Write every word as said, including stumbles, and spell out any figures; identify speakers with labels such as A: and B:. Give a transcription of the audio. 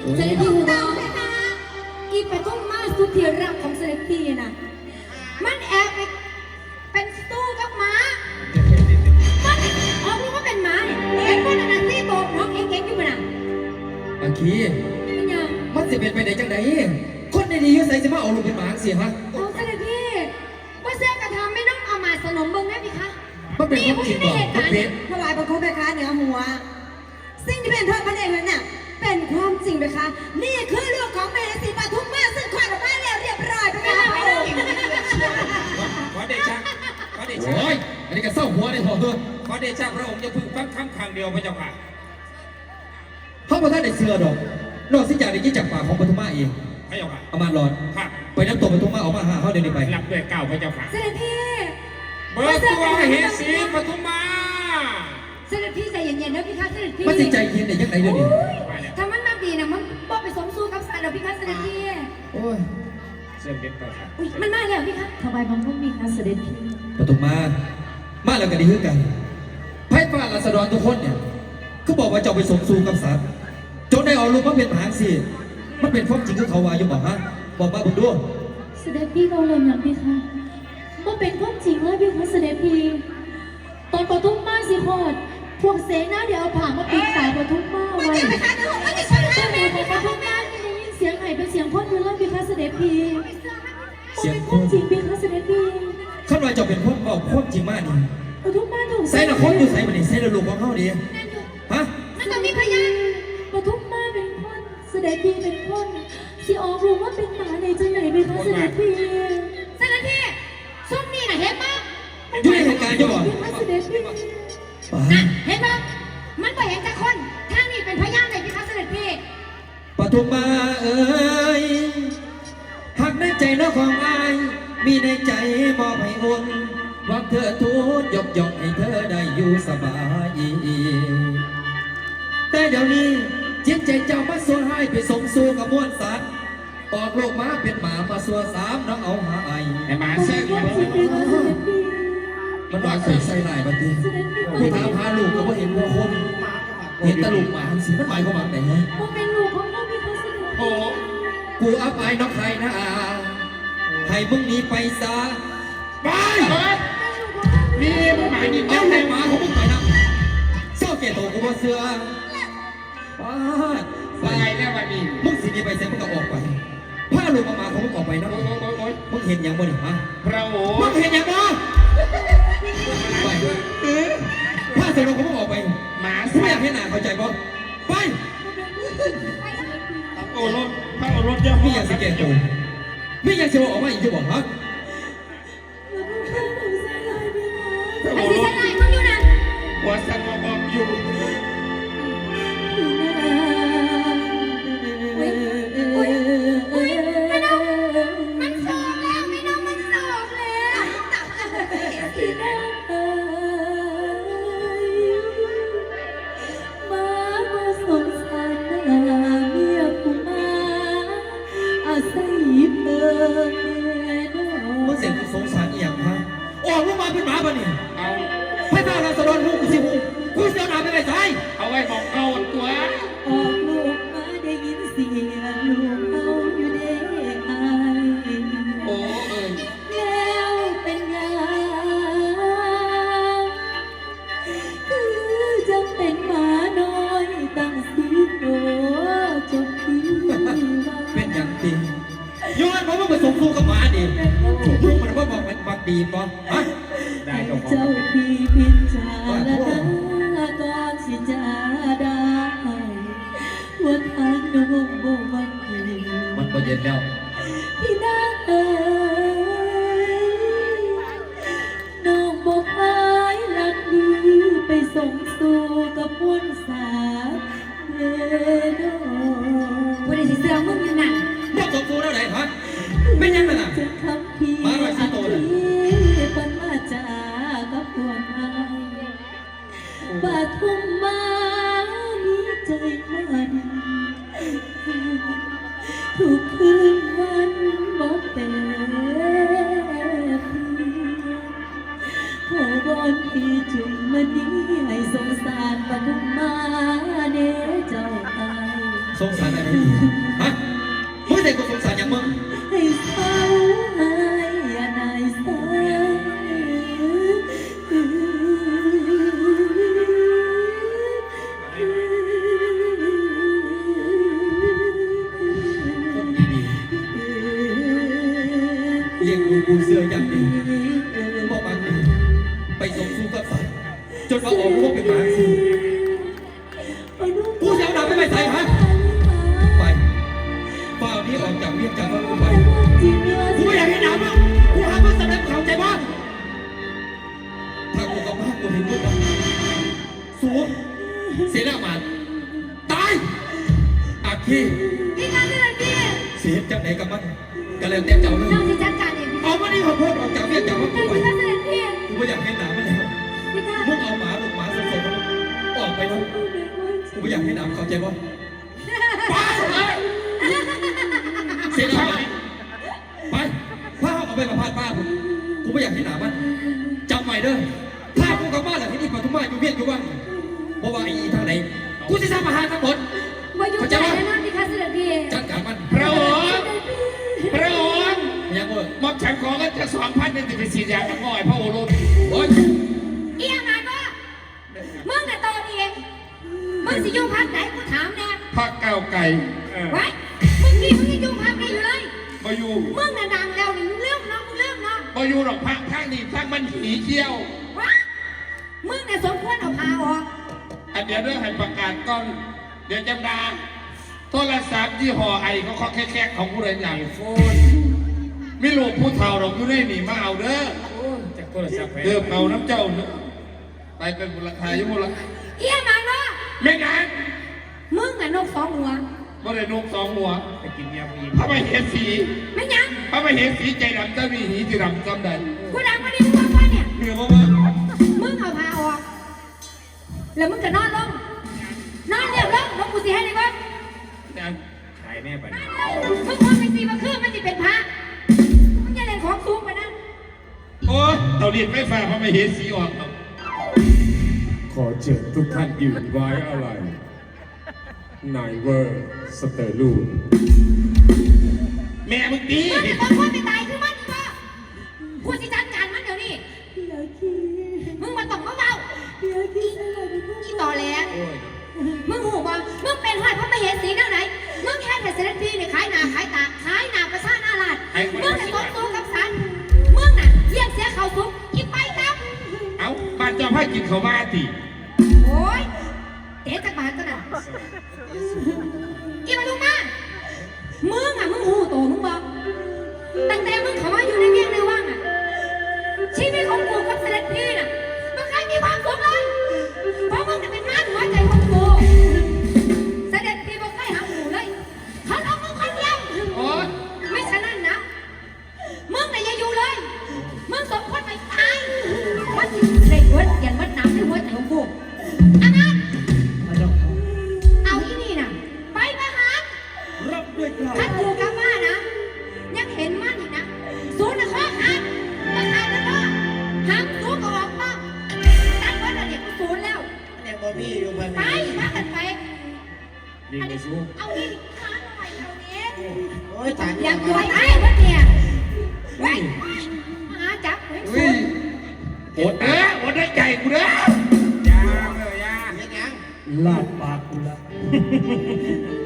A: เสด็จพี่หูดาวอีปทุมมาสุดที่รักของเสด็จพี่น่ะมันแอบไปเป็นสู้กับหมามันออกรู้ว่าเป็นหมาเห็นว่านันซี่โบกน้องเอ็งเอ็งอยู่มั้ย
B: อังคีมันจะเป็นไปได้จังไดคนในนี้ยุ่ใส่จะมาเอาลูกเป็นหมาเสียฮะ
A: เอาเสด็จพี่ว่าเสื้อกระทำไม่ต้องเอามาสนมเบิ้งได้ไหมคะ
B: มันเป็นความจริงบ่มันเป็น
C: ถวายบังคมไปคะเหนือหัวสิ่งที่เป็นเธอพระเดชนั้นน่ะเป็นความจริงไหมคะนี่คือลูกของเมรสีปทุมมาซึ่งคลอดออกมาแล้วเรียบร้อยไปแล้ว
D: ขอเดชะขอเดชะ
B: โอ้ยอันนี้ก็เศร้าหัวได้พอเถอะ
D: ขอเดชะพระองค์จะพึ่งฟังคำครั้งเดียวพระเจ้าค่ะ
B: พระประธานได้เสือดอกนอกจากได้ยินจากปากของปทุมมาเอง
D: พระเจ้าค่ะ
B: อามาหลอดไปน้ำตัวปทุมมาออกมาหาเขาเดี๋ยวนี้ไป
D: หลับด้วยเก้าพระเจ้าค่ะ
A: เสด็จพี่
D: เบิกตัวเฮสีปทุมมา
A: เสด็จพี่ใจเย็นๆนะพี่คะเสด็จพี่
B: มันใจเย็นได้ยังไงเดี๋ยวนี้
A: ถ้ามันมาดีนะมันบอกไปสมสู้กับสารเราพี่คะเสด็จพี่
B: โอ้ย
D: เสื่อมเด็ดไปครับ
A: อุ้ยมันมาแล้วพี่คะถวายบังคมมีคะเสด็จพี่
B: ปทุมมามาแล้วก็ดีขึ้นกันไพ่ฟ้าราษฎรทุกคนเนี่ยก็บอกว่าจะไปสมสู้กับสารจนได้เอาลูกมาเป็นมหาสิมันเป็นความจริงที่เขาว่าอยู่บอกฮะบอกมาบุญด้วย
A: เสด็จพี่เราเริ่มอย่างพี่คะว่าเป็นความจริงเลยพี่คะเสด็จพี่ตอนปทุมมาสิโคตรพวกเสนาเดี๋ยวเอาผ่ามาปิดตาปทุมมาไว้แต่ในของปทุมมาได้ยินเสียงไห่เป็นเสียงพ่นอยู่แล้วพี่คะเสด็จพี่เสียงพ่นจริงพี่คะเสด็จพี่
B: ขั้นว่าจะเป็นพ่นบอกพ่นจริงมากนี่
A: ปทุมมาถูก
B: ใส่ละคนอยู่ใส่บันนี้ใส่ละลูกของเขาดีฮะ
A: นั่นต้องมีพยานปทุมมาเป็นพ่นเสด็จพี่เป็นพ่นที่ออกรู้ว่าเป็นหมาในจังไหนพี่คะเสด็จพี่เสด็จพี่ส้มนี่น่ะเห็นปะ
B: อยู่ในเหตุการณ์จะบอก
A: นะเห็นปะมันไปเห็นแต่คนท่านนี่เป็นพยานเลยพี่คะเสด็จพี่
B: ปทุมมาเอ๋ยหักในใจน้องของอายมีในใจมอบให้อุ่นหวังเธอทูลยกย่องให้เธอได้อยู่สบายแต่เดี๋ยวนี้จิตใจเจ้ามาสัวให้ไปส่งสู่กับมวลสัตว์ออกโลกมาเป็นหมามาสัวสามน้องเอาหาไอ
D: ไอหมาเสื่อม
B: มันวางใส่ใส่ลายบันทีผู้ท้าพาลูกก็ว่าเห็นวัวคนเห็นตะลุกหมาหันสีมันหมายความว่าไหนฮะ
A: เป็นลูกของพ่อพี่เขาสิ
D: โอ้
B: กูอับอายน้องใครนะให้มึงหนีไปซะไป
D: มีมึงหมายดิ
B: เอาให้หมาของมึงไปนะเศร้าเกตโตกูว่าเสือป้า
D: ไปแล้ววันนี้
B: มึงสิดีไปเสร็จมึงก็ออกไปผ้าลูกมาของมึงออกไปนะมึงเห็นอย่างบ่เนี่ยฮะ
D: พระโอ๋
B: มึงเห็นอย่างบ่ไปผ้าเสร็จเราก็มึงออกไป
D: หมา
B: ไม่อยากให้หนาเข้าใจบ่ไป
D: โอ้รถพระโอรถเยอะ
B: พี่อยากสิเกตโตพี่อยากจะออกมาอีกจะบอกฮะ
A: ไอ้ที่ใส่ลายมึงอยู่นะ
D: หัวสั่นบอกอยู่
A: อุ้ยอุ้ยไม่น้องมันสอบแล้วไม่น้องมันสอบแล้วที่น้องเอ๋ยมามาสงสารนาเมียผู้มาอาศัยเปิด
B: มึงเสียงสงสารอีหยังฮะออกลูกมาเป็นหมาป่ะนี่
D: เอา
B: ให้ตาเราสะดอนหูกูสิหูกูเสียหนาไปไหนใจ
D: เอาไว้บอกเขาตัว
A: ออกลูกมาได้ยินเสียงลูกเขาอยู่ได้ไอ
D: โอ้เออ
A: แล้วเป็นยังคือจังเป็นหมาน้อยตั้งสีโตจบที่
B: เป็นอย่างจริงย้อนเพราะว่าผสมสู้กับหมาดิลูกมันว่าบอกมันบักดีป่ะฮะ
A: เจ้าพี่พิจารณาก่อนสิจะได้ว่าทางน้องบ่มันดี
B: มันก็เย็นแล้ว
A: ที่น่าเอ๋ยน้องบอกหายหลักดีไปส่งสู่กับมวลสาเวโนวันนี้สิเสือมึงอยู่ไหน
B: บอกส่งสู่แล้วไหนฮะไม่ยังไงล่ะมาไว้ที่โตเลย
A: ปันมาจากับพวกไอ้ปาทุ่มมามีใจมันทุกคืนวันบอกเป็นขอบอนพี่จุ่มมันนี้ให้สงสารปาทุ่มมาเด้เจ้าไอ้
B: สงสารอะไรดีฮะมึงเด็กกูสงสารอย่างมึง
A: ให้สาวอายอย่านายสาว
B: คนดีๆเลี้ยงดูกูเสื้ออย่างดีบอกมันดีไปส่งสู้กับสายจนมาออกลูกเป็นหมาสิกูจะเอาดาบไปไปใส่ฮะไปฝ่านี้ออกจากเวียงจากบ้านกูไปกูไม่อยากให้หนาวมึงกูหามาแสดงข่าวใจบ้านถ้ากูกับบ้านกูเห็นมึงนะสูงเสียหน้ามันตายอาคี
A: พี่คะเสด็จพี่
B: เสียจังไหนกับมันกันแล้วแต่เจ้าเลย
A: น้องจะจัดการเอง
B: เอามานี่ขอโทษออกจากเวียงจากบ้านกู
A: พี่
B: ไป
A: คะเสด็จพี่
B: กูไม่อยากให้หนาวมันแล้ว
A: พี่คะ
B: มึงเอาหมาลูกหมาสดๆมันออกไปนะกูไม่อยากให้หนาวเข้าใจป่ะเสียหน้ามันไปพาเอาไปมาพาดป้ากูกูไม่อยากให้หนาวมันจำไว้เด้อถ้ากูกลับบ้านหลังที่นี่ปทุมมาอยู่เวียงอยู่บ้างเพราะว่าไอ้ทางไหนกูจะสร้างอาหารทั้งหมด
A: มาอยู่ใจแน่นอนพี่คะเสด็จพี่
B: จัดการมัน
D: พระองค์พระองค์
B: ยังเว้ย
D: มอบฉันขอกันจะสองพันหนึ่งสิบสี่อย่างกับง่อยพระโอรส
B: โอ๊ย
A: เอียงไงบ่มึงน่ะโตนี่เองมึงสิอยู่พักไหนกูถามแน่
D: พระเก้าไก่เออ
A: ไว้มึงนี่มึงยังอยู่พักไหนอยู่เลย
D: มาอยู่
A: มึงน่ะดังแล้วนี่มึงเริ่มเนาะมึงเริ่มเนาะ
D: มาอยู่หรอกพระข้างนี้ข้างมันหนีเที่ยว
A: ไว้มึงน่ะสมควรเอาพาออก
D: อันเดี๋ยวเรื่องให้ประกาศก่อนเดี๋ยวจำดาโทรศัพท์ยี่ห้อไอเขาเคาะแค่ๆของผู้ใดใหญ่โฟนไม่รู้ผู้เฒ่าหรอกอยู่ในนี่มาเอาเด้อ
E: จากโทรศัพท์ไป
D: เดิมเอาน้ำเจ้าเนอะไปเป็นมูลค่าอยู่มูลค่า
A: เอียงไงบ่
D: ไม่นาน
A: มึงน่ะนกสองหัว
D: บ่ได้นกสองหัว
E: ไปกินยาผู้หญิง
D: พระไม่เห็นสี
A: ไม่ยัง
D: พระไม่เห็นสีใจดำจะมีหีที่ดำจำได้
A: กูดังมาดิมึงว่าว่าเนี่ย
D: เหนือมาว่า
A: มึงเอาพาออก แล้วมึงก็นอนลง นอนเรียบร้อยลงกูสิให้เลยเบ้าง
E: ขายแม่ไป
A: มึงควรไปสีมาคืนมันจะเป็นพระมึงอย่าเล่นของสูงไปนะ
D: โอ้ยเตาเรียนไม่ฟ้าพระไม่เห็นสีออกหรอก
F: ขอเชิญทุกท่านยืนไว้อะไรนายเวอร์สเตอร์ลูน
D: แม่มึงดี
A: มึงจะต้องควรไปตายคือมันอีกบ่กูสิจัดการมันเดี๋ยวนี้มึงมาต้องมาเบาอีต่อแหลมึงหูบ่มึงเป็นหอยพระมเหสีแนวไหน มึงแค่แต่เสด็จพี่เนี่ยขายหนาขายตาขายหนาประชาหน้าลาดมึงจะต้องสู้กับสันมึงน่ะเยี่ยงเสียเขาสุกกินไปครับ
D: เอ้าบ้านเจ้าพ่อกินเขาวมาติ
A: โอ้ยเจ๊จักบาทก็น่ะอีมาลุงมามึงอ่ะมึงหูโตมึงบอกตั้งแต่มึงเข้ามาอยู่ในเวียงในว่างอ่ะชีวิตของกูกับเสด็จพี่น่ะมันเคยมีความสุขเลยเพราะมึงจะเป็นงานหัวใจของกูเสด็จพี่บอกให้หาหมูเลยเขาเอามึงคนเดียว
D: โอ้ย
A: ไม่ฉะนั้นนะมึงน่ะอย่าอยู่เลยมึงสมควรไปตายมันสิได้เวิร์ดยันวัดน้ำในหัวใจของกูอานันต์เอาอีนี่น่ะไปประหาร
B: รับด้วยกล้า
A: ถ้ากูกลับบ้านนะยังเห็นมันอีกนะศูนย์นะข้อขาดประหารแล้วก็ห้ามศูนย์ก็ออกบ้างตั้งไว้ระเบียบศูนย์แล้ว
E: เนี่ยบอมี่อยู่พัน
A: ไปมากันไป
E: ลิงไปสู้
A: เอาอีกขาหน่อยเอานี้
E: โอ้ยตาย
A: อยากรวยไอ้วะเนี่ยไว้มาหาจับไว้
D: อุ้ยอดเด้ออดได้ใจกูเด้อย
E: าเลยยาเฮ็ดยัง
B: ลาดปากกูละ